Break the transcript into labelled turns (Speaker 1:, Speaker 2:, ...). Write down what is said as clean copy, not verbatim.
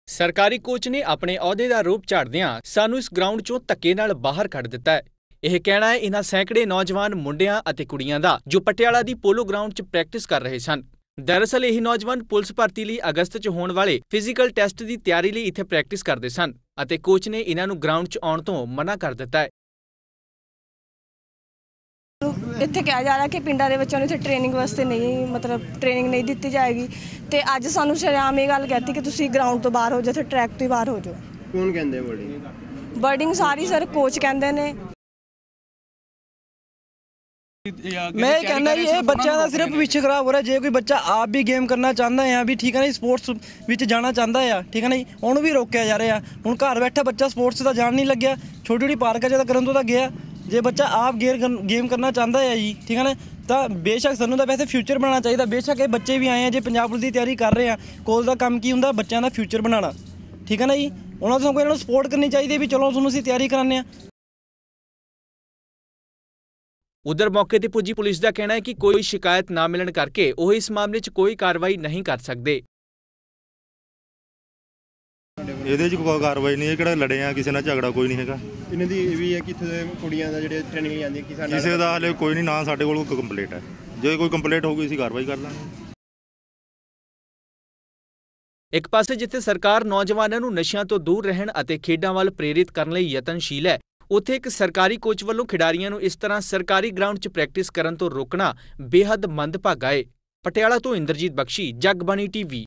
Speaker 1: ਸਰਕਾਰੀ ਕੋਚ ਨੇ ਆਪਣੇ ਅਹੁਦੇ ਦਾ ਰੂਪ ਝਾੜਦਿਆਂ ਸਾਨੂੰ ਇਸ ਗਰਾਊਂਡ 'ਚੋਂ ਧੱਕੇ ਨਾਲ ਬਾਹਰ ਕੱਢ ਦਿੱਤਾ ਹੈ। ਇਹ ਕਹਿਣਾ ਹੈ ਇਨ੍ਹਾਂ ਸੈਂਕੜੇ ਨੌਜਵਾਨ ਮੁੰਡਿਆਂ ਅਤੇ ਕੁੜੀਆਂ ਦਾ ਜੋ ਪਟਿਆਲਾ ਦੀ ਪੋਲੋ ਗਰਾਊਂਡ 'ਚ ਪ੍ਰੈਕਟਿਸ ਕਰ ਰਹੇ ਸਨ। ਦਰਅਸਲ ਇਹ ਨੌਜਵਾਨ ਪੁਲਿਸ ਭਰਤੀ ਲਈ ਅਗਸਤ 'ਚ ਹੋਣ ਵਾਲੇ ਫਿਜ਼ੀਕਲ ਟੈਸਟ ਦੀ ਤਿਆਰੀ ਲਈ ਇੱਥੇ ਪ੍ਰੈਕਟਿਸ ਕਰਦੇ ਸਨ ਅਤੇ ਕੋਚ ਨੇ ਇਨ੍ਹਾਂ ਨੂੰ ਗਰਾਊਂਡ 'ਚ ਆਉਣ ਤੋਂ ਮਨਾ ਕਰ ਦਿੱਤਾ ਹੈ।
Speaker 2: ਇੱਥੇ ਕਿਹਾ ਜਾ ਰਿਹਾ ਕਿ ਪਿੰਡਾਂ ਦੇ ਬੱਚਿਆਂ ਨੂੰ ਇੱਥੇ ਟ੍ਰੇਨਿੰਗ ਵਾਸਤੇ ਟ੍ਰੇਨਿੰਗ ਨਹੀਂ ਦਿੱਤੀ ਜਾਏਗੀ ਤੇ ਅੱਜ ਸਾਨੂੰ ਸ਼ਰੇਆਮ ਇਹ ਗੱਲ ਕਹਿਤੀ ਕਿ ਤੁਸੀਂ ਗਰਾਊਂਡ ਤੋਂ ਬਾਹਰ ਹੋ ਜਾਓ, ਇੱਥੇ ਟਰੈਕ ਤੋਂ ਹੀ ਬਾਹਰ ਹੋ ਜਾਓ।
Speaker 3: ਕੌਣ ਕਹਿੰਦੇ
Speaker 2: ਵਰਡਿੰਗ ਸਾਰੀ ਸਰ ਕੋਚ ਕਹਿੰਦੇ ਨੇ।
Speaker 4: मैं कहना ये बच्चा का सिर्फ पिछे खराब हो रहा है। जो कोई बच्चा आप भी गेम करना चाहता है यहाँ भी ठीक है ना, स्पोर्ट्स विच जाना चाहता है ठीक है ना, उन्होंने भी रोकया जा रहा है। हुण घर बैठा बच्चा स्पोर्ट्स का जान नहीं लग्या, छोटी छोटी पार्क च करन तो गया। जे बच्चा आप गेम करना चाहता है जी ठीक है ना, तो बेशक सानू तो वैसे फ्यूचर बनाना चाहिए। बेशक ये बच्चे भी आए हैं जो पंजाब पुलिस की तैयारी कर रहे हैं, कोच का काम की हुंदा बच्चों का फ्यूचर बनाना ठीक है ना जी। उन्होंने तो इन्होंने सपोर्ट करनी चाहिए भी चलो तुहानूं असीं तैयारी कराने।
Speaker 1: उधर मौके ते पुजी पुलिस का कहना है कि कोई शिकायत ना मिलने करके वो इस मामले च कोई कार्रवाई नहीं कर सकते।
Speaker 5: ਇਹਦੇ 'ਚ ਕੋਈ ਕਾਰਵਾਈ ਨਹੀਂ ਹੈ, ਕਿਹੜਾ ਲੜੇ ਆ ਕਿਸੇ ਨਾਲ, ਝਗੜਾ ਕੋਈ ਨਹੀਂ ਹੈਗਾ।
Speaker 3: ਇਹਨਾਂ ਦੀ ਇਹ ਵੀ ਹੈ ਕਿ ਇੱਥੇ ਦੇ ਕੁੜੀਆਂ ਦਾ ਜਿਹੜੇ ਟ੍ਰੇਨਿੰਗ ਲਈ ਜਾਂਦੀਆਂ
Speaker 5: ਕਿਸੇ ਦਾ ਹਾਲੇ ਕੋਈ ਨਹੀਂ, ਨਾ ਸਾਡੇ ਕੋਲ ਕੋਈ ਕੰਪਲੀਟ ਹੈ। ਜੇ ਕੋਈ ਕੰਪਲੀਟ ਹੋਊਗੀ ਅਸੀਂ ਕਾਰਵਾਈ ਕਰ ਲਾਂਗੇ।
Speaker 1: ਇੱਕ ਪਾਸੇ ਜਿੱਥੇ ਸਰਕਾਰ ਨੌਜਵਾਨਾਂ ਨੂੰ ਨਸ਼ਿਆਂ ਤੋਂ ਦੂਰ ਰਹਿਣ ਅਤੇ ਖੇਡਾਂ ਵੱਲ ਪ੍ਰੇਰਿਤ ਕਰਨ ਲਈ ਯਤਨਸ਼ੀਲ ਹੈ, ਉੱਥੇ ਇੱਕ ਸਰਕਾਰੀ ਕੋਚ ਵੱਲੋਂ ਖਿਡਾਰੀਆਂ ਨੂੰ ਇਸ ਤਰ੍ਹਾਂ ਸਰਕਾਰੀ ਗਰਾਊਂਡ 'ਚ ਪ੍ਰੈਕਟਿਸ ਕਰਨ ਤੋਂ ਰੋਕਣਾ ਬੇਹੱਦ ਮੰਦਭਾਗਾ ਹੈ। ਪਟਿਆਲਾ ਤੋਂ ਇੰਦਰਜੀਤ ਬਖਸ਼ੀ, ਜਗਬਾਣੀ ਟੀਵੀ।